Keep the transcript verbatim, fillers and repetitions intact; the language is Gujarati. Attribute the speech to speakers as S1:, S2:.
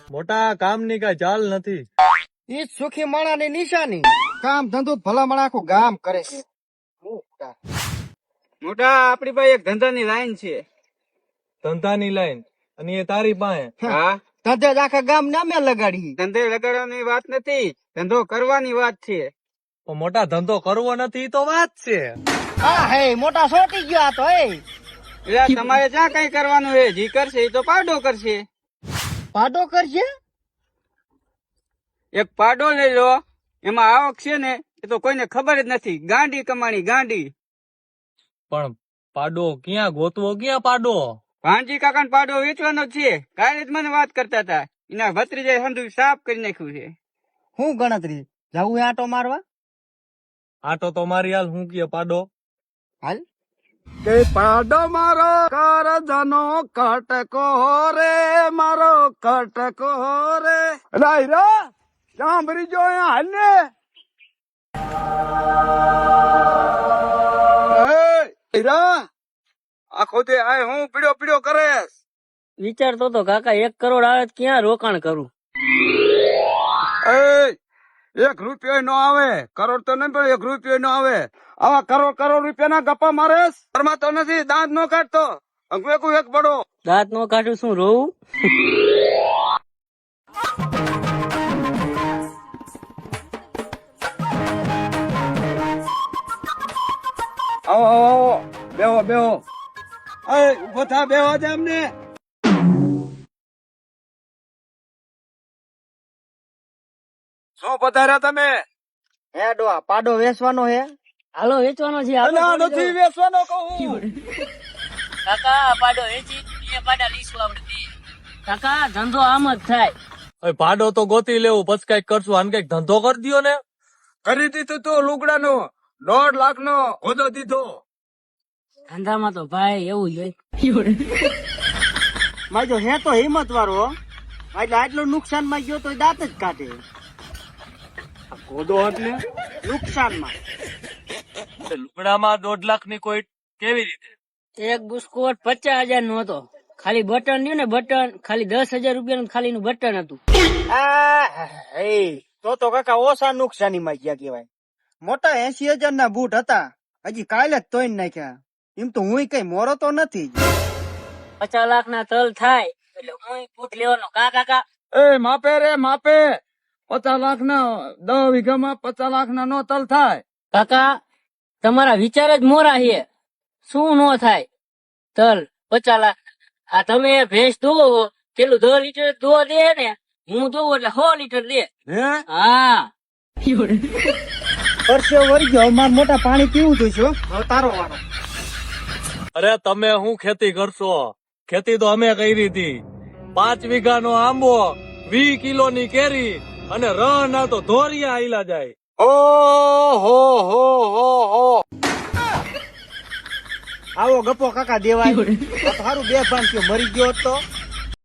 S1: મોટા કામની કઈ ચાલ નથી.
S2: ઈ જ સુખી માણાની નિશાની. કામ ધંધો ભલા માણા આખું ગામ કરે છે.
S3: મોટા આપડી પાસે એક ધંધાની લાઈન છે.
S1: ધંધાની લાઈન અને એ તારી પાસે?
S3: હા,
S2: ધંધે જ આખા ગામ નામે લગાડી.
S3: ધંધે લગાડવાની વાત નથી, ધંધો કરવાની વાત છે.
S1: પણ મોટા ધંધો કરવો નથી ઈ તો વાત છે.
S2: હા હે મોટા સોટી ગયો આ તો એ.
S3: એટલે તમારે જ્યાં કઈ કરવાનું છે, જી કરશે એ તો પાડો કરશે.
S2: પાડો કરશે?
S3: એક પાડો લઈ લો, એમાં આવક છે ને એ તો કોઈને ખબર જ નથી. ગાંડી કમાણી ગાંડી.
S1: પણ પાડો ક્યાં ગોતવો, ક્યાં પાડો?
S3: ભાણજી કાકા પાડો વેચવાનો જ છે. કાલે જ મને વાત કરતા હતા. એના ભત્રીજાએ હંધુ સાફ કરી નાખ્યું છે.
S2: હું ગણતરી જવું આટો મારવા?
S1: આટો તો મારી હાલ. હું કે પાડો
S2: હાલ.
S3: કે પાડો મારો કરજનો કટકો રે, મારો કટકો રે. રાય રા સાંભળી જો હાલ ને. આખો દે આય હું પીડ્યો પીડ્યો કરે.
S4: વિચારતો તો કાકા એક કરોડ આવે તો ક્યાં રોકાણ કરું?
S3: એક રૂપિયો નો આવે. કરોડ તો નહીં પણ એક રૂપિયો નો આવે. આવા કરોડ કરોડ રૂપિયા ના ગપ્પા મારે. ઘરમાં તો નથી, દાંત નો કાઢતો. અંગવેકું એક બડો
S4: દાંત નો કાઢું શું રોવું?
S3: આવો આવો આવો બેહો બેહો. અય ઉભો થા, બેહો જ અમને. શું પધાર્યા તમે?
S2: હે ડોહા પાડો વેચવાનો હે?
S4: હાલો વેચવાનો છે. હાલો
S3: અલા,
S4: જોડી
S3: નથી
S4: દો.
S3: વેચવાનો કહું.
S4: કાકા આ પાડો વેચી બે પાડા લઈશું આપણે. કાકા ધંધો આમ જ થાય.
S1: હવે પાડો તો ગોતી લેવું, પછી કઈક કરશું. આને કઈક ધંધો કરી દ્યો ને.
S3: કરી દીધું તું લુગડાનો દોઢ લાખ નો હોદો દીધો.
S4: ધંધામાં તો ભાઈ એવું જ હોય.
S2: માજો હે તો હિંમત વાળો. એટલે આટલું નુકસાન માં ગયો તો દાંત જ કાઢે.
S3: હોદો એટલે
S2: નુકસાનમાં
S1: લુગડામાં દોઢ લાખ ની કોઈ કેવી રીતે?
S4: એક બુસ્કોટ પચાસ હજાર નો હતો. ખાલી બટન રહ્યું ને બટન, ખાલી દસ હજાર રૂપિયા નું ખાલી નું બટન હતું.
S2: આ હે તો તો કાકા ઓછા નુકસાની માં ગયા કેવાય. મોટા એસી હજાર ના બૂટ હતા, હજી કાલે જ તોય નાખ્યા. એમ તો હું કઈ મોરો તો નથી.
S4: પચાસ લાખ ના તલ થાય એટલે હું ફૂટ લેવાનો. કા કાકા
S3: એ માપે રે માપે. પચાસ લાખ ના દસ વીઘામાં પચાસ લાખ ના નો તલ થાય.
S4: કાકા તમારા વિચાર જ મોરા છે. શું નો થાય તલ પચાસ લાખ? આ તમે ભેંસ દોવો પેલું દસ લીટર દો દે ને, હું દોવું એટલે સો લીટર દે.
S3: હે
S4: હા
S2: પરસ્યો વળી ગયો. માર મોટા પાણી પીવું જોઈશું. હવે તારો વારો.
S1: અરે તમે શું ખેતી કરશો? ખેતી તો અમે કરી હતી. પાંચ વીઘા નો આંબો, વી કિલો ની કેરી અને રણ ના તો ધોરિયા આઈલા જાય.
S3: ઓ હો હો હો હો.
S2: આવો ગપ્પો કાકા દેવાય. આ તો હારું બે ભાન થયો, મરી ગયો હોત તો